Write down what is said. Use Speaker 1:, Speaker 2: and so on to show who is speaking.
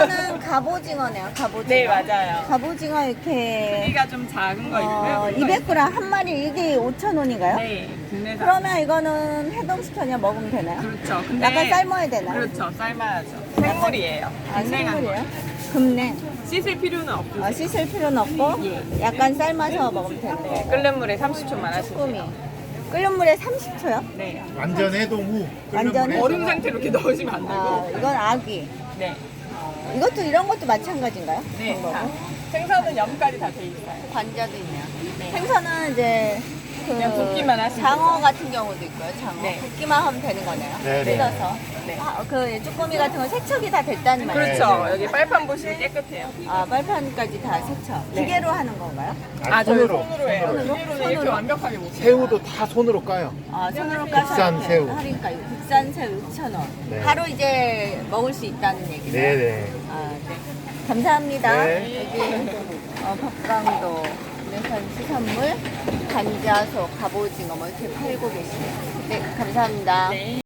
Speaker 1: 이거는 갑오징어네요. 갑오징어.
Speaker 2: 네, 맞아요.
Speaker 1: 갑오징어 이렇게
Speaker 2: 크기가 좀 작은 거 있고요.
Speaker 1: 200g 한 마리 이게 5,000원인가요?
Speaker 2: 네, 국내산.
Speaker 1: 그러면 이거는 해동시켜 그냥 먹으면 되나요?
Speaker 2: 그렇죠. 근데
Speaker 1: 약간 삶아야 되나요?
Speaker 2: 그렇죠. 삶아야죠. 생물이에요.
Speaker 1: 아,
Speaker 2: 생생한
Speaker 1: 생물이에요?
Speaker 2: 거예요.
Speaker 1: 금냉.
Speaker 2: 씻을 필요는 없고
Speaker 1: 씻을 필요는 없고
Speaker 2: 예.
Speaker 1: 약간 삶아서 먹으면 되는 거예요.
Speaker 2: 끓는 물에 30초만 하시면
Speaker 1: 쭈꾸미.
Speaker 2: 돼요.
Speaker 1: 끓는 물에 30초요?
Speaker 2: 네.
Speaker 3: 완전 해동 후
Speaker 1: 완전
Speaker 3: 끓는 물에
Speaker 2: 얼음 상태로 이렇게 넣으시면 안 되고.
Speaker 1: 이건 아기.
Speaker 2: 네.
Speaker 1: 이것도 이런 것도 마찬가지인가요?
Speaker 2: 네.
Speaker 1: 그런
Speaker 2: 다.
Speaker 1: 거고?
Speaker 2: 생선은 염까지 다 돼 있어요.
Speaker 1: 관자도 있네요.
Speaker 2: 네.
Speaker 1: 생선은 이제
Speaker 2: 그냥 굽기만 하시면
Speaker 1: 장어
Speaker 2: 되죠.
Speaker 1: 같은 경우도 있고요. 장어
Speaker 2: 네.
Speaker 1: 굽기만 하면 되는 거네요.
Speaker 3: 네, 네.
Speaker 1: 뜯어서.
Speaker 2: 네.
Speaker 1: 그 쭈꾸미 같은 건 세척이 다 됐다는 말이에요.
Speaker 2: 그렇죠.
Speaker 3: 네.
Speaker 2: 여기 빨판 보시면 깨끗해요.
Speaker 1: 빨판까지 다 세척.
Speaker 2: 네.
Speaker 1: 기계로 하는 건가요?
Speaker 2: 아, 저희
Speaker 3: 손으로.
Speaker 2: 손으로 해요.
Speaker 1: 손으로?
Speaker 2: 기계로는 이렇게
Speaker 1: 손으로?
Speaker 2: 완벽하게 못 해요.
Speaker 3: 새우도 다 손으로 까요.
Speaker 1: 손으로 까서
Speaker 3: 국산
Speaker 1: 이렇게
Speaker 3: 새우.
Speaker 1: 할인가 국산 새우 6,000원.
Speaker 3: 네.
Speaker 1: 바로 이제 먹을 수 있다는 얘기죠.
Speaker 3: 네네.
Speaker 1: 네. 감사합니다.
Speaker 3: 네.
Speaker 1: 여기 법강도 국내산 수산물, 간자소, 갑오징어 뭐 이렇게 팔고 계시네요. 네, 감사합니다.
Speaker 2: 네.